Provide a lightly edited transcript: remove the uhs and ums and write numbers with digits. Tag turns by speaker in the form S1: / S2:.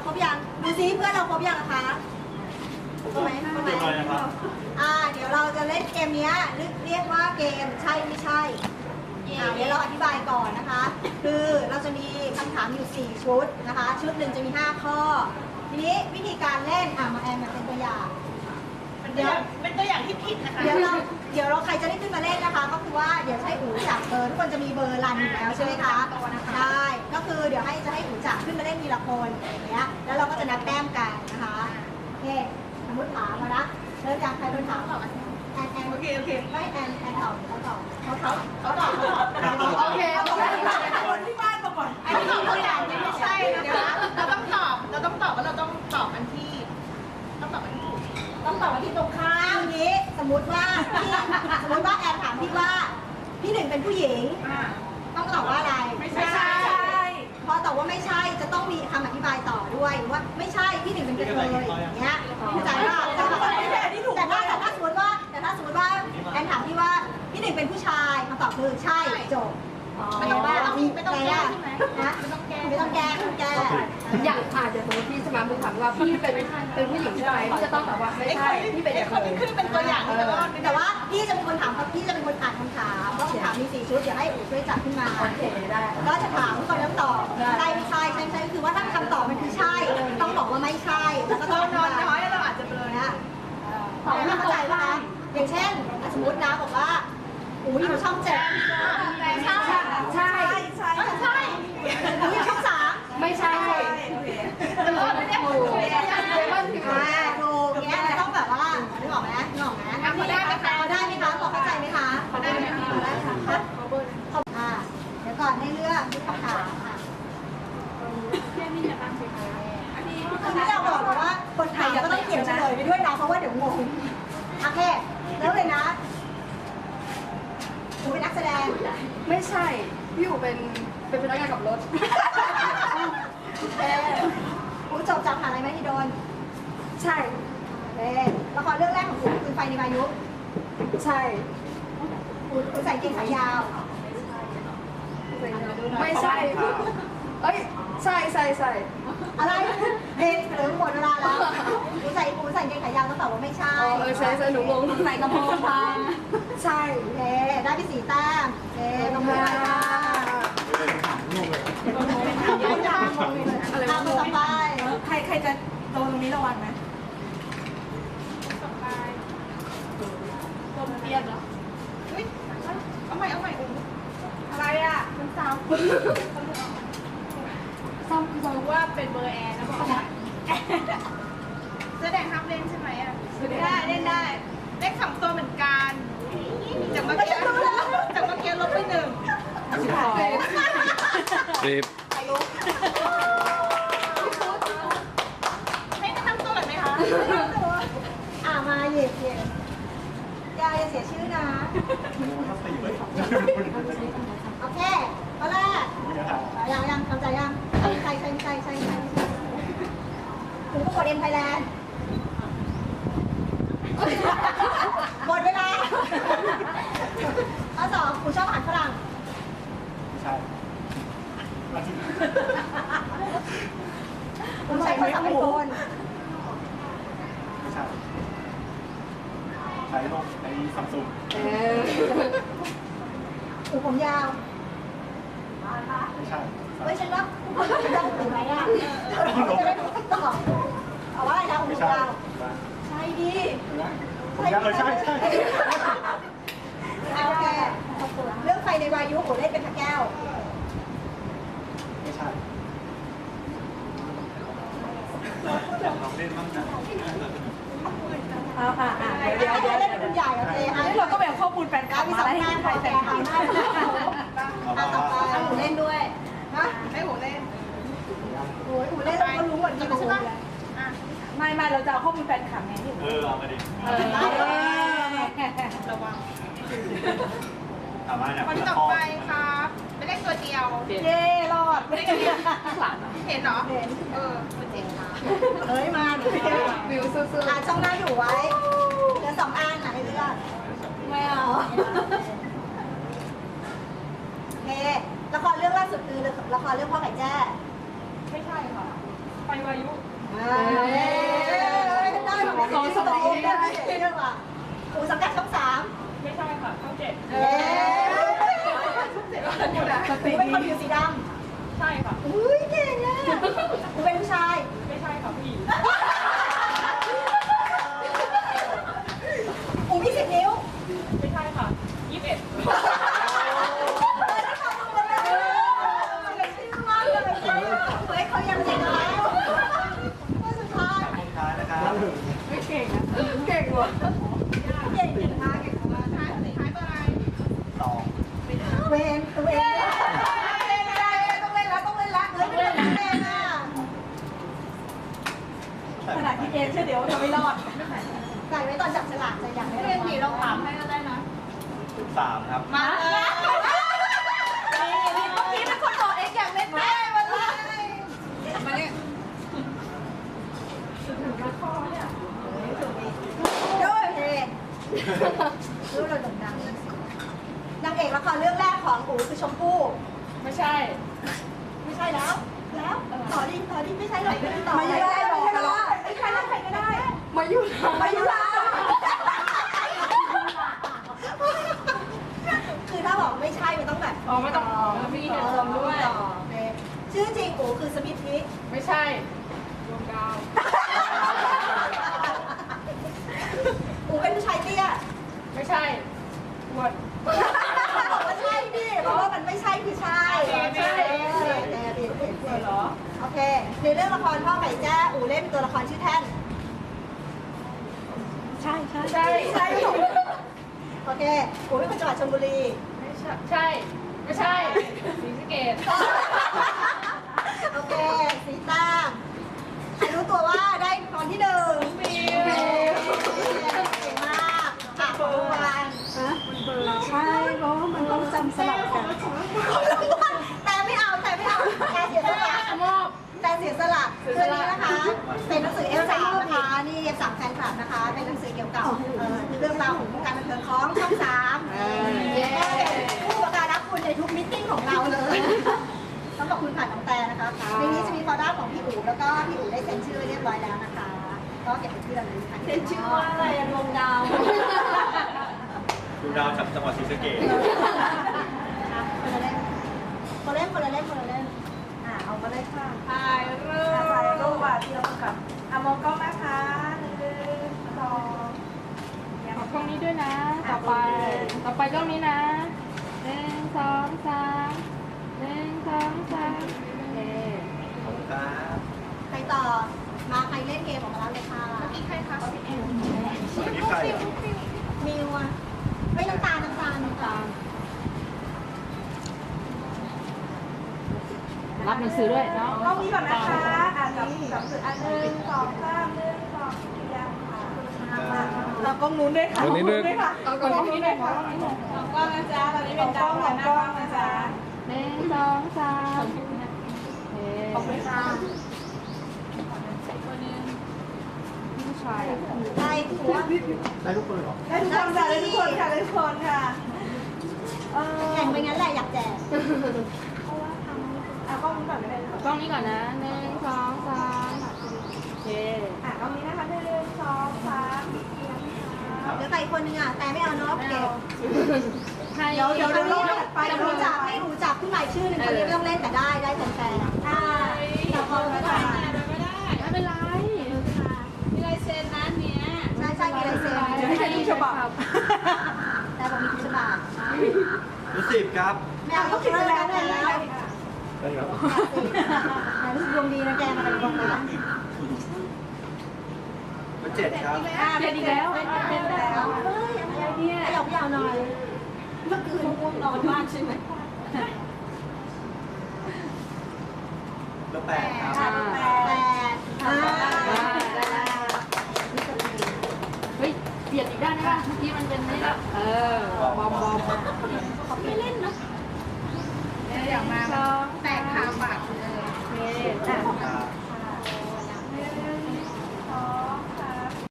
S1: ครบยังดูซิเพื่อนเราครบยังนะคะครบไหมครบไหมเดี๋ยวเราจะเล่นเกมนี้เรียกว่าเกมใช่ไม่ใช่เดี๋ยวเราอธิบายก่อนนะคะ คือเราจะมีคำถามอยู่4ชุดนะคะชุดหนึ่งจะมี5ข้อทีนี้วิธีการเล่นมาแอนมาเป็นตัวอย่าง
S2: เป็นตัวอย่างที่ผิดนะคะ
S1: เดี๋ยวเราใครจะได้ขึ้นมาเล่นนะคะ ก็คือว่าเดี๋ยวให้อู๋จับเบอร์ทุกคนจะมีเบอร์รันอยู่แล้วใช่ไหมคะได้ก็คือเดี๋ยวจะให้อู๋จับขึ้นมาเล่นทีละคนอย่างเงี้ยแล้วเราก็จะนับแต้มกันนะคะโอเคสมมติถามมาละเริ่มจากใครเป็นถามแอนโอเคไม่แอนตอบเขาตอบโอเค
S2: คนที่บ้านมาก่อนอันนี้ตัวอย่างไม่ใช่นะคะเราต้องตอบว่าเราต้องตอบอันที่ต้องตอบอันที่
S1: ตรงข้ามนี้สมมติว่าแอนถามพี่ว่าพี่หนึ่งเป็นผู้หญิงต้องตอบว่าอะไร
S2: ไม่ใช่
S1: พอตอบว่าไม่ใช่จะต้องมีคำอธิบายต่อด้วยว่าไม่ใช่พี่หนึ่งเป็นกระเทยอย่างเงี้ยเข้าใจป่ะแต่ถ้าสมมติว่าแอนถามพี่ว่าพี่หนึ่งเป็นผู้ชายคำตอบคือใช่จบ
S2: ไม่ต้องแก้ใช่ไหม
S1: ไม่ต้องแก้
S3: อย่างเดี๋ยวสมมติพี่สมาร์ทถามว่าพี่เป็นผู้หญิงใช่ไหมพี่จะต้องตอบว่าไม่ใช่พี่เป็น
S2: คนที่ขึ้นเป็นตัวอย่าง
S1: แต่ว่าพี่จะเป็นคนถามพี่จะเป็นคนอ่านคำถามเพราะคำถามมี4ชุดเดี๋ยวให้อู๋ช่วยจัดขึ้นมา
S3: โอเคได้
S1: ก็จะถามทุกคนแล้วตอบใช่ไม่ใช่คือว่าถ้าคำตอบมันคือใช่ต้องบอกว่าไม่ใช่แล้วก็ต้อง
S2: น้อยเราอาจจะเบลอนะ
S1: ตอบไม่เข้าใจว่าอย่างเช่นสมมตินะบอกว่าอู๋อยู่ช่อง7
S3: ใช่
S1: อู๋อยู่ช่อง3
S3: ไม่ใช่
S2: ไม่ได้ถูก
S1: ถูกเนี้ยต้องแบบว่านึกออกไหมพอได้ไหมคะพอเข้าใจไหมคะพอได้ค่ะเดี๋ยวก่อนให้เลือกคำถามค่ะคือที่เราบอกว่าคนไทยก็ต้องเขียนเฉลยไปด้วยนะเพราะว่าเดี๋ยวงงโอเคแล้วเลยนะอู๋เป็นนักแสดง
S3: ไม่ใช่พี่อยู่เป็นพนักงานขับรถ
S1: อู๋จบจากมหาลัยมหิดล
S3: ใช่
S1: ละครเรื่องแรกของอู๋คือไฟในวายุ
S3: ใช่
S1: อู๋ใส่เกงขายาว
S3: ไม่ใช่เอ้ยใช่
S1: อะไรเด็กเหลือหมดเวลาแล้วอู๋ใส่เกงขายาวต้องตอบว่าไม่ใช่
S3: ใช่หนูงง
S1: ใส่กระโปรงค่ะ
S3: ใช่
S1: ได้ไป4 แต้มตรงนี้ค่ะ
S3: อะไร
S1: ต่อไป
S2: ใครจะโดนตรงนี้ระวังนะตัวเปลี่ยนเหรอเอาใหม่อะไรอ่ะมันซ้ำรู้ว่าเป็นเบอร์แอร์นะบอกว่าแสดงห้ามเล่นใช่ไหมอ่ะเล่นได้เลข2 ตัวเหมือนกันจากเมื่อกี้ลบไป1
S4: รีบ
S2: ให้ทำตัวแบบไหมคะ
S1: มาเหยียบอย่าเสียชื่อนะโอเคข้อแรกยังเข้าใจยังใช่คุณก็กดเอ็นไทยแลนด์หมดเวลาข้อ 2คุณชอบอาหารฝรั่ง
S4: ใช่
S1: คุณใช้โทรศัพท์ไอโฟน
S4: ไม่ใช่ใช้โลกไอ้ซัมซุง
S1: หูผมยาว
S4: ไม่ใช่
S1: ฉันว่าคุณจะหูไหมจะได้ตอบเอาว่าอะไรนะหูยาวใช่ดิ
S4: ผมยาวใช่
S1: โอเคเรื่องไฟในวายุผมเล่นเป็นพระแก้ว
S4: ไม่ใช่ลองเล่นบ้างนะ
S1: เดี๋ยวเล่นเป็นคุณใหญ่โอเค
S2: เราก็แบ่งข้อมูลแฟนคลับมาให้ใครแต่ง
S1: ต่อไปหูเล่นด้วยนะ
S2: ให้หูเล่น
S1: หูเล่นเราก็รู้หมดที่หูเลย
S2: ไม่เราจะเอาข้อมูลแฟนคลับไงที่หู
S4: เอามาดิ
S2: ระวัง
S4: คน
S2: ที่ต่อไปครับไม่ได้ตัวเดียวรอดไม่ได้เห็นเหรอเป็นเจ๋งค่ะ
S1: มา
S3: วิวสู้
S1: ๆช่องหน้าอยู่ไว้เหลือ2 อันให้เลือกไม่เอาโอเคละครเรื่องล่าสุดคือละครเรื่องพ่อไก่แจ้
S2: ไม่ใช่ค่ะไปวายุ
S1: ได้หรอไม่ได้สมองได้เรื่องว่ะอูสังกัดช่อง 3
S2: ไม่ใช่ค่ะช่อง7
S1: เป็นคนผิวสีดำ
S2: ใช่ค่ะ
S1: อุ้ยเก่งอ่ะอูเป็นผู้ชาย
S2: ไม่ใช่ค่ะผู้หญิง
S1: อูมี10 นิ้ว
S2: ไม่ใช่ค่ะ21
S1: เขายังเจ๋งแล้วสุดท้าย
S4: ท้ายนะครับ
S3: ไม่เก่งนะเก่งว่ะ
S1: เก่งมากเก่งมาก
S2: ท้ายตัวอะไร
S4: สอง
S1: เวนต้องเล่นแล้วต้องเล่นแล้วเฮ้ยไม่ต้องเล่นอ่ะขนาดที่เองเชื่อเดี๋ยวจะไม่รอดใส่ไว้ตอนจับฉลากจะอยากให้
S2: เรียนผีเราถามให้ก็ได้นะ
S4: 13ครับ
S2: มาเลยนี่เมื่อกี้เป็นคนบอกเอ็กอยากเล่นแม่มาเลยมาเนี่ย
S1: ด้วยเฮ้รู้เราดังนางเอกละครเรื่องแรกของอู๋คือชมพู่
S2: ไม่ใช่
S1: ไม่ใช่แล้วต่อดิไม่ใช่หรอกต่อไม่ได้บอกกันหรอกไม่ใช่แล้วใครก็ได้
S3: มาอยู่
S1: มายุราคือถ้าบอกไม่ใช่มันต้องแบบ
S2: อ๋อไม่ต้องมีเหตุผลด้วย
S1: ชื่อจริงอู๋คือสมิธทิ
S2: ไม่ใช่ดวงดาว
S1: อู๋เป็นผู้ชายเตี้ย
S2: ไม่ใช่หมด
S1: บอกว่าใช่ดิเพราะว่ามันไม่ใช่คือใช่เหรอโอเคในเรื่องละครพ่อไก่แจ้อู๋เล่นเป็นตัวละครชื่อแท่นใช่โอเคอู๋เป็นคนจังหวัดชลบุรี
S2: ไม่ใช่ไม่ใช่ศรีสะเกษ
S1: โอเคสีต้างใครรู้ตัวว่าได้ตอนที่1ฟิวเก่งมากค่ะวัน
S3: ใช่เพราะมันต้องจำสลับกัน
S1: แต่ไม่เอาแต่เสียสละ
S2: มอบ
S1: แต่เสียสละเรื่องนี้นะคะ เป็นหนังสือ F3 นะคะนี่ F3 แฟนคลับนะคะ เป็นหนังสือเกี่ยวกับเรื่องราวของวงการบันเทิงของช่อง3ผู้ประการรักคุณในทุกมิทติ้งของเราเลยต้องขอบคุณผ่านน้องแต่นะคะในนี้จะมีฟอร์ด้าของพี่อู๋แล้วก็พี่อู๋ได้เซ็นชื่อเรียบร้อยแล้วนะคะ ก็เก็บเป็นที่ระลึกค่ะเซ็นชื่อว่าอะไรดวงดาว
S4: ดูดาวจากจังหวัดศรีสะเกษ
S1: คนละเล่มเอามาเลยค่ะ
S2: ถ่ายรูป
S1: ถ่ายรูปอ่ะที่เราประกับมองกล้องนะคะ1 2
S2: ขอบกล้องนี้ด้วยนะ ต่อไปกล้องนี้นะ1 2 3 1 2 3เอ๊ะ
S4: ขอบคุณครับ
S1: ใครต่อ มาใครเล่นเกมออกมาแล้วเลยค่ะ
S2: อีกใครคะ
S4: วันนี้ใครอ่ะ
S1: มิวอ่ะไม่น้ำตาล
S2: รับหนังสือด้วยเนาะ
S1: กล้องนี้ก่อนนะคะจับสื่ออัน1 2 3 1 2ยังค่ะเรากล้องนู้นด้วยค่ะ
S5: กล้องนี้ด้วย
S1: ค่ะ
S2: เอากล้องนี้หน่อยค่ะกล้องนะจ๊ะตอนนี้เป็นดาวหัวหน้ากล้องนะจ๊ะ1 2 3ขอบคุณค่ะ ผู้ชาย
S1: ได้หัว
S4: ได้ทุกคนเหรอ
S1: ได้ทุกคนค่ะได้ทุกคนค่ะแข่งไปงั้นแหละอยากแจกกล้องนี้ก่อนเลย
S2: กล้องนี้ก่อนนะ1 2 3โอเค
S1: กล้องนี้นะคะ1 2 3เดี๋ยวใครคนนึงอ่ะแต่ไม่เอาเนาะเก็บ
S2: ให้
S1: เดี๋ยวไม่รู้จักผู้ใหม่ชื่อหนึ่งคนนี้ไม่ต้องเล่นแต่ได้แฟนๆแต่พอไม่ได้
S2: ไม่เป็นไรมีลายเซ็นนะเนี้ย
S1: ใช่มีลายเซ็น
S2: ไม่ใช่ทุกฉบับ
S1: แต่บอกมีทุกฉบับ
S4: รู้10ครับ
S1: ไม่เอาต้องคิดแล้ว
S4: ได้ครับ
S1: รู้สึกดวงดีนะแกมาเป็นคนนั้น
S4: รู้7ครับ
S2: เป็นอีกแล้ว
S1: เป็นแล้วเฮ้ยอะไรเนี่ยยาวหน่อยเมื่อคืนง่วงนอนมากใช่ไหม
S4: รู้8ครับ
S2: เฮ้ยเปลี่ยนอีกด้านได้ป่ะเมื่อกี้มันเป็นนี่แล้ว